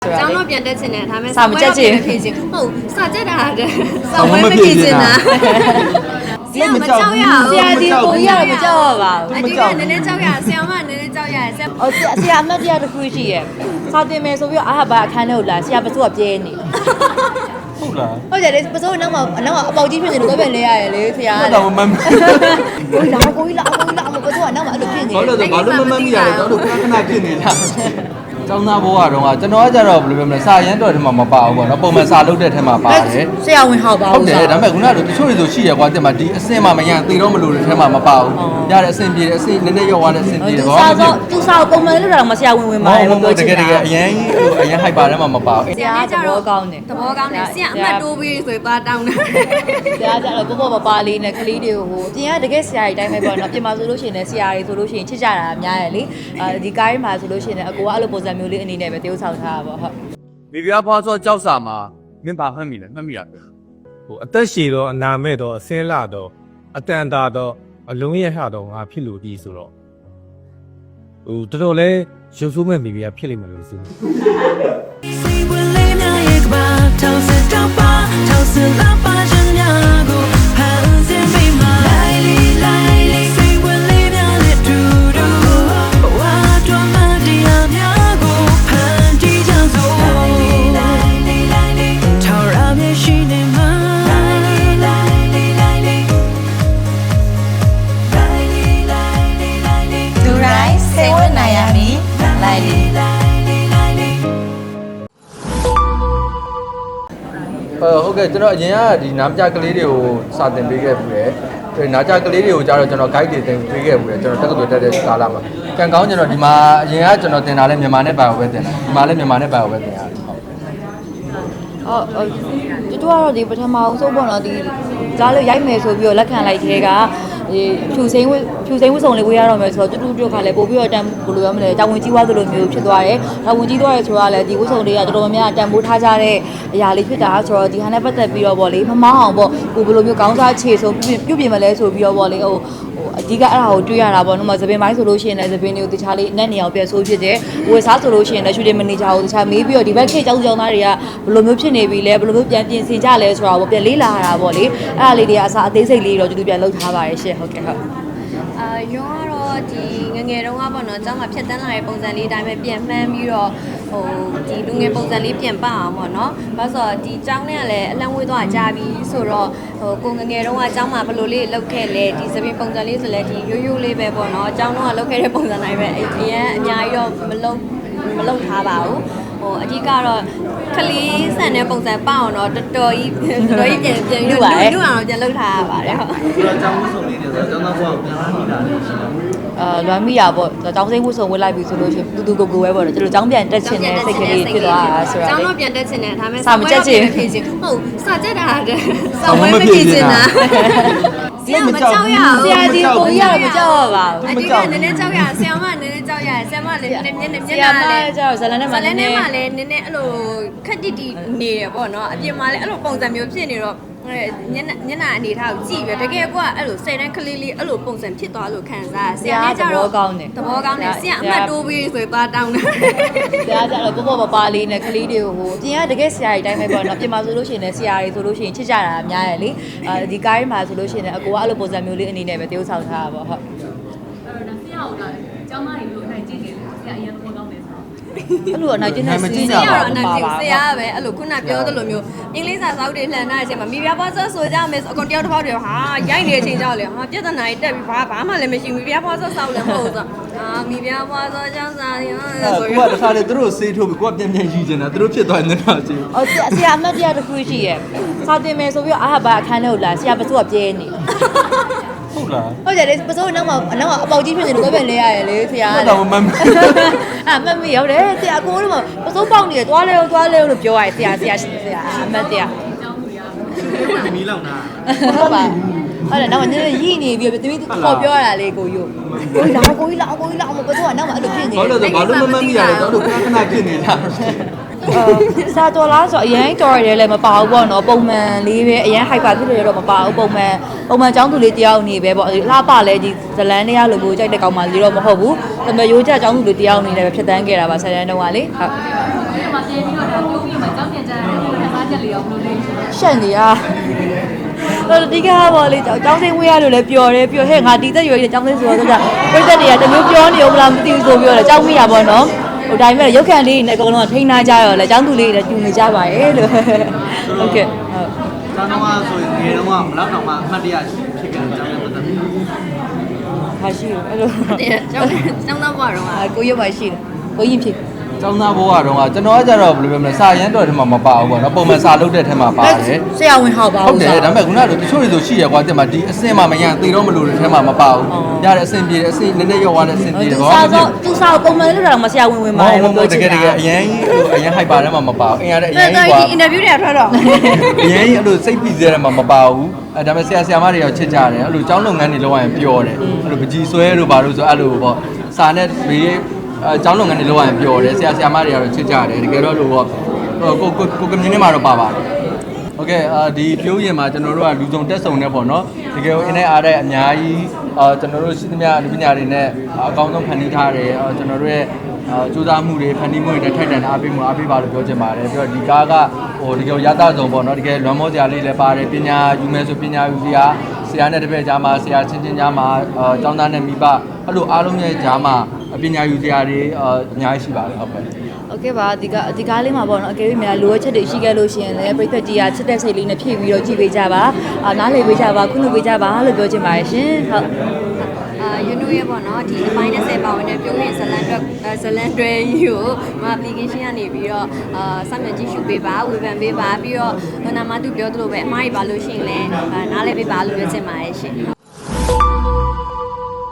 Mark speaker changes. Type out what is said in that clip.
Speaker 1: ကျောင်းတော့ပြန်တက်ချင်တယ်ဒါပေမဲ့စာမတက်ချင်ဖြစ်ချင်ဟုတ်စာတက်တာစာဝဲမဖြစ်ချင်တာဆရာမကြောက်ရအောင်ဆရာဒီကိုကြီးကတော့မကြောက်ရပါဘူးအဒီကနည်းနည်းကြောက်ရဆရာမနည်းနည်းကြောက်ရဆရာအမတ်တရားတစ်ခုရှိရဲ့စာတင်မယ်ဆိုပြီးအာဟာအခန်းထဲကိုလာဆရာပစိုးကပြဲနေ
Speaker 2: ဟုတ်လား
Speaker 1: ဟုတ်တယ်လေပစိုးနောက်မှာအပေါက်ကြီးဖြစ်နေလို့ပဲလဲရတယ်လေဆရာ
Speaker 2: ကတော့မမှန်
Speaker 1: ကိုကြီးလာအမပစိုးကနောက်မှာအဲ့လိုဖြစ်နေ
Speaker 2: တယ်ဘာလို့မမှန်မိရလဲတော့ခဏဖြစ်နေတာကျောင်းသားဘဝကတော့ကျွန်တော်ကကြတော့ဘယ်လိုပြောမလဲစာရမ်းတော်ထဲမှာမပါဘူးပေါ့နော်ပုံမှန်စာလုပ်တဲ့ထဲမှာပါတယ်
Speaker 1: ဆရာဝန်ဟောက်ပါ
Speaker 2: ဟုတ်တယ်ဒါပေမဲ့ခုနကတချို့တွေဆိုရှိရကွာတင်မှာဒီအဆင့်မှမရသေတော့မလို့တဲ့ထဲမှာမပါဘူးရတဲ့အဆင့်ပြေတဲ့အဆင့်နည်းနည်းရောက်သွားတဲ့အဆင့်ပြေတယ်
Speaker 1: ဘာလို့သူစာပုံမှန်လုပ်တာတော့မဆရာဝန်ဝင်ပါတယ်
Speaker 2: လို့တကယ်အရင်ဟိုက်ပါထဲမှာမပါဘူး
Speaker 1: ဆရာသဘောကောင်းတယ်သဘောကောင်းတယ်ဆရာအမှတ်တိုးပြီးဆိုသွားတောင်းတယ်ဆရာကြတော့ပေါ့ပလေးနဲ့ကလေးတွေကိုဟိုအပြင်ကတကယ်ဆရာကြီးတိုင်းပဲပေါ့နော်ပြင်မှာဆိုလို့ရှိရင်လည်းဆရာတွေဆိုလို့ရှိရင်ချစ်ကြတာအများရဲ့လေဒီကားမှာဆိုလို့ရှိရင်အကိုကအဲ့လိုပုံစံမျိုးလေးအနေနဲ့ပဲတရုပ်ဆောင်ထားတာပေါ့ဟုတ်
Speaker 2: မိဖုရားဖွားစောကြောက်စာမှာမင်းပါမှတ်မိလဲမှတ်မိရပဲ
Speaker 3: ဟိုအသက်ရှည်တော့အနာမဲ့တော့အစင်းလာတော့အတန်တာတော့အလုံးရဟတော့ငါဖြစ်လို့ဒီဆိုတော့ဟိုတော်တော်လေးရုပ်ဆိုးမဲ့မိဖုရားဖြစ်လိမ့်မယ်လို့ဆို
Speaker 2: ဟုတ်ကဲ့ကျွန်တော်အရင်ကဒီနားပြကလေးတွေကိုစာသင်ပေးခဲ့ပြီးတယ်နားကြကလေးတွေကိုကြားတော့ကျွန်တော် guide တွေတင်ပေးခဲ့ပြီးတယ်ကျွန်တော်တက္ကသိုလ်တက်တဲ့ကာလမှာကံကောင်းကျွန်တော်ဒီမှာအရင်ကကျွန်တော်သင်တာလဲမြန်မာနဲ့ပါပဲသင်တာဒီမှာလဲမြန်မာနဲ့ပါပဲသင်ရတယ်
Speaker 1: ဟုတ်တူကတော့ဒီပထမအောင်ဆုံးပေါ့နော်ဒီကြားလို့ရိုက်မယ်ဆိုပြီးတော့လက်ခံလိုက်သေးကဖြူစိမ့်ဝတ်စုံလေးဝေးရတော့မယ်ဆိုတော့တူခါလဲပို့ပြီးတော့တန်ဘယ်လိုပြောမလဲတာဝန်ကြီးွားသလိုမျိုးဖြစ်သွားတယ်တာဝန်ကြီးသွားရဲဆိုတာလဲဒီဝတ်စုံလေးကတော်တော်များများတန်ဖိုးထားကြတဲ့အရာလေးဖြစ်တာဆိုတော့ဒီဟာနဲ့ပတ်သက်ပြီးတော့ဗောလေမမောင်းအောင်ပေါ့ကိုဘယ်လိုမျိုးကောင်းစားခြေဆိုပြုတ်ပြင်မလဲဆိုပြီးတော့ဗောလေဟိုအဓိကအဲ့ဒါကိုတွေးရတာပေါ့နော်မသပင်ပိုင်းဆိုလို့ရှိရင်လည်းသပင်တွေကိုတခြားလေးအနက်နေအောင်ပြန်ဆိုးဖြစ်တယ်ဝယ်စားဆိုလို့ရှိရင်လည်းရှူတင်မန်နေဂျာကိုတခြားမေးပြီးတော့ဒီဘက်ခေတ်ကျောင်းသားတွေကဘယ်လိုမျိုးဖြစ်နေပြီလဲဘယ်လိုမျိုးပြန်ပြင်ဆင်ကြလဲဆိုတာကိုပြန်လေးလာရတာပေါ့လေအဲ့ဒါလေးတွေကအစားအသေးစိတ်လေးတော့တူပြန်လုပ်ထားပါတယ်ရှင့်ဟုတ်ကဲ့ဟုတ်ရုံးကတော့ဒီငယ်တုန်းကပေါ့နော်ကျောင်းမှာဖြတ်တန်းလာတဲ့ပုံစံလေးအတိုင်းပဲပြန်မှန်းပြီးတော့ဟိုဒီလူငယ်ပုံစံလေးပြန်ပအောင်ပေါ့နော်ဘာလို့ဆိုတော့ဒီကျောင်းနဲ့ကလည်းအလံဝေးသွားကြပြီဆိုတော့ဟိုကိုငယ်တုန်းကကျောင်းမှာဘယ်လိုလေးလောက်ခဲ့လဲဒီသပင်ပုံစံလေးဆိုလဲဒီရိုးလေးပဲပေါ့နော်ကျောင်းတော့လောက်ခဲ့တဲ့ပုံစံတိုင်းပဲအရင်အများကြီးတော့မလုပ်ထားပါဘူးဟိုအဓိကတော့ခလေးဆန်တဲ့ပုံစံပအောင်တော့တော်တော်ကြီးပြန်လုပ်ပါတယ်လူအောင်ပြန်လုပ်ထားရပါတယ်ဟုတ်
Speaker 2: ဆိုတော့ကျောင်းဆုံးလေးတွေဆိုတော့ကျောင်းသားဘုရားပြန်လာနေတာလေရှိတယ်
Speaker 1: လွမ်းမိရပေါ့ကျောင်းစိမ့်မှုဆုံးဝတ်လိုက်ပြီဆိုလို့ရှိရင်တူကိုပဲပေါ့နော်ကျွန်တော်ကျောင်းပြန်တက်ချင်တဲ့စိတ်ကလေးဖြစ်သွားတာဆိုတော့ကျောင်းတော့ပြန်တက်ချင်တယ်ဒါပေမဲ့စာမတက်ချင်ဖြစ်ချင်ဟုတ်စာတက်တာစာဝဲမဖြစ်ချင်တာဆရာမကြောက်ရအောင်ဆရာဒီကိုကြီးကတော့မကြောက်ရပါဘူးအဒီကနည်းနည်းကြောက်ရဆရာမနည်းနည်းကြောက်ရဆရာမလည်းနည်းနည်းမျက်နှာလည်းကြောက်ဇလန်နဲ့မှလည်းနည်းနည်းအဲ့လိုခက်တိနေတယ်ပေါ့နော်အပြင်မှာလည်းအဲ့လိုပုံစံမျိုးဖြစ်နေတော့ညနာအနေထားကိုကြည့်ပြီးတကယ်ကအဲ့လို10တန်းကလေးလေးအဲ့လိုပုံစံဖြစ်သွားလို့ခံစားဆရာနဲ့ကြတော့သဘောကောင်းတယ်ဆရာအမှတ်တိုးပြီးဆိုသွားတောင်းတယ်ဆရာကြတော့ပေါ့ပလေးနဲ့ကလေးတွေကိုဟိုအပြင်ကတကယ်ဆရာကြီးတိုင်းပဲပေါ့နော်ပြင်မှာဆိုလို့ရှိရင်လည်းဆရာတွေဆိုလို့ရှိရင်ချစ်ကြတာအများရဲ့လေဒီကားမှာဆိုလို့ရှိရင်လည်းအကိုကအဲ့လိုပုံစံမျိုးလေးအနေနဲ့ပဲတရုပ်ဆောင်ထားတာပေါ့ဟုတ်
Speaker 4: အဲ့တော့ဆရာကကျောင်းသားတွေလို့နိုင်ကြည့်နေတယ်ဆရာအရင်သဘောကောင်းတယ်ဆိုတော့
Speaker 1: အဲ့လိုအနိုင်ကျင့်တဲ့စီးရတော့အနိုင်ကျင့်ဆရာပဲအဲ့လိုခုနပြောသလိုမျိုးအင်္ဂလိပ်စာစာအုပ်တွေလှန်ထားတဲ့အချိန်မှာမိဖုရားဖွားစောဆိုကြမယ်အကုန်တယောက်တစ်ပေါက်တည်းဟာရိုက်နေတဲ့အချိန်ကြောက်လေဟာပြဿနာကြီးတက်ပြီးဘာမှလည်းမရှိဘူးမိဖုရားဖွားစောစောက်လည်းမဟုတ်ဘူးဆိုမိဖုရားဖွားစောကျောင်းစာတွေ
Speaker 2: ဆိုပြီးတခါလေသူတို့ဆေးထိုးပြီးကိုကပြန်ယူချင်တာသူတို့ဖြစ်သွားနေတာကြည့်
Speaker 1: ဟုတ်ဆရာအမတ်တရားတစ်ခုရှိရဲ့စာတင်မယ်ဆိုပြီးအာဟာအခန်းထဲကိုလာဆရာပစိုးကပြဲနေ
Speaker 2: ဟုတ်လား
Speaker 1: ဟုတ်တယ်လေပစိုးနောက်မှာအပေါက်ကြီးဖြစ်နေလို့ပဲလဲရတယ်လေဆရာက
Speaker 2: တော့မမှန်
Speaker 1: မမီရောက်တယ်ဆရာကိုတို့ကပစိုးပေါက်နေတယ်သွားလဲလို့ပြောရတယ်ဆရာအမတ်တရား
Speaker 2: ဒီမီလောက်နာ
Speaker 1: ဟုတ်ပါဟုတ်တယ်နောက်မှနည်းနည်းရည်နေပြီးတမီးခေါ်ပြောရတာလေကိုကြီးလာအမပစိုးကနောက်မှအဲ့လိုဖြစ်နေ
Speaker 2: တယ်ဘာလို့မမှန်မိရလဲတော့ခဏဖြစ်နေတာ
Speaker 1: စာတော်လားဆိုအရင်တော်ရတယ်လည်းမပါဘူးပေါ့နော်ပုံမှန်လေးပဲအရင် hyper ဖြစ်လို့တော့မပါဘူးပုံမှန်ចောင်းသူလေးတယောက်နေပဲပေါ့လှပလဲဒီဇလန်းတွေကလိုမျိုးကြိုက်တဲ့ကောင်မလေးတော့မဟုတ်ဘူးဒါပေမဲ့ရိုးကြចောင်းသူလေးတယောက်နေလည်းပဲဖြတ်တန်းခဲ့တာပါဆယ်တန်းတုန်းကလေဟုတ်
Speaker 4: ပြန်ပြီးတော့ဒါပြုံးပြီးမှကြောင်းပြန်ကြရတယ်ခန်းစားချက်လေးရောဘယ်လိုလဲ
Speaker 1: ရှက်နေရတော့ဒီကားပေါ့လေကျောင်းသိမ်းဝေးရလို့လည်းပျော်တယ်ပျော်ဟဲ့ငါဒီသက်ရွယ်ကြီးကျောင်းသိမ်းဆိုတော့ပြည့်သက်တွေကတမျိုးပြောနေဦးမလားမသိဘူးဆိုပြီးတော့ကျောင်းမိရပါတော့ဟိုဒါပေမဲ့ရုပ်ခန့်လေးနဲ့အကုန်လုံးထိန်းထားကြရောလေကျောင်းသူလေးတွေတူနေကြပါရဲ့လို့ဟုတ်ကဲ့ဟုတ်
Speaker 5: ကျောင်းတော့ဆိုရင်ငယ်တော့မလောက်တော့မှအမှတ်တရဖြစ်ခဲ့တယ်ကျောင်းရဲ့ပတ်သက်ပြီး
Speaker 1: ဟာရှိတယ်အဲ့လို
Speaker 6: ကျောင်းသားဘွားတော့
Speaker 1: ကိုရုပ်ပါရှိတယ်ကိုရင်ဖြစ်
Speaker 2: ကျောင်းသားဘဝတုန်းကကျွန်တော်ကကြတော့ဘယ်လိုပြောမလဲစာရမ်းတော်ထဲမှာမပါဘူးပေါ့နော်ပုံမှန်စာလုပ်တဲ့ထဲမှာပါတယ်
Speaker 1: ဆရာဝန်ဟောက်ပါ
Speaker 2: ဟုတ်
Speaker 1: ဦး
Speaker 2: တယ်ဒါပေမဲ့ခုနကတချို့တွေဆိုရှိရကွာတင်မှာဒီအစင်မှမရသေတော့မလို့တဲ့ထဲမှာမပါဘူးရတဲ့အစင်ပြေတဲ့အစင်နည်းနည်းရောသွားတဲ့အစင်ပြေတယ်
Speaker 1: သူ
Speaker 2: ဘာ
Speaker 1: စာ
Speaker 2: မှမ
Speaker 1: တော့
Speaker 2: ဖြစ်
Speaker 1: သူစာပုံမှန်လို့တော့မဆရာဝန်ဝင်ပါတယ်
Speaker 2: ဘူးတကယ်တကယ်အရင်အရင်ဟိုက်ပါထဲမှာမပါဘူးအရင်ကအရင်
Speaker 6: တော်
Speaker 2: ကွာ
Speaker 6: ဒီအင်တာဗျူးတွေထွက်တော့
Speaker 2: အရင်အဲ့လိုစိတ်ပြီးစေတဲ့မှာမပါဘူးအဲဒါပေမဲ့ဆရာမတွေရောချစ်ကြတယ်အဲ့လိုကျောင်းလုပ်ငန်းတွေလုပ်ရရင်ပျော်တယ်အဲ့လိုပကြီးဆွဲလို့ပါလို့ဆိုအဲ့လိုပေါ့စာနဲ့ဘေးကျောင်းလုပ်ငန်းတွေလုပ်ရရင်ပျော်တယ်ဆရာမတွေကတော့ချစ်ကြတယ်တကယ်တော့လို့ပေါ့ကိုကမြင်းထဲမှာတော့ပါပါတယ်โอเคဒီပြုံးရင်မှာကျွန်တော်တို့ကလူစုံတက်ဆုံနေပေါ့နော်တကယ်အင်းနဲ့အားတဲ့အများကြီးကျွန်တော်တို့ရှိသမျှလူပညာတွေနဲ့အကောင်းဆုံးဖန်တီးထားတယ်ကျွန်တော်တို့ရဲ့စူးစမ်းမှုတွေဖန်တီးမှုတွေနဲ့ထိုက်တန်အားပေးမှုအားပေးပါလို့ပြောချင်ပါတယ်ပြီးတော့ဒီကားကဟိုတကယ်ရသဆုံးပေါ့နော်တကယ်လွန်မောစရာလေးလည်းပါတယ်ပညာယူမယ်ဆိုပညာယူစရာဆရာနဲ့တပည့်ကြားမှာဆရာချင်းချင်းကြားမှာကျောင်းသားနဲ့မိဘအဲ့လိုအားလုံးရဲ့ကြားမှာပညာယူစရာတွေအများကြီးရှိပါတယ်ဟုတ်ကဲ့
Speaker 1: โอเคပါဒီကားလေးမှာပေါ့နော်အကယ်၍များလိုအပ်ချက်တွေရှိခဲ့လို့ရှိရင်လည်းပရိသတ်ကြီးကချစ်တဲ့စိတ်လေးနဲ့ဖြည့်ပြီးတော့ကြည့်ပေးကြပါနားလည်ပေးကြပါခုလိုပေးကြပါလို့ပြောချင်ပါတယ်ရှင်ဟုတ်
Speaker 6: ယူနိုရဲ့ပေါ့နော်ဒီအပိုင်း20ပါဝင်တဲ့ပြုံးရင်ဇလန်တွဲကြီးကိုမ application ကနေပြီးတော့စမ်းမြကြည့်ရှုပေးပါဝေဖန်ပေးပါပြီးတော့နာမသူပြောသလိုပဲအမှားကြီးပါလို့ရှိရင်လည်းနားလည်ပေးပါလို့ပြောချင်ပါတယ်ရှင်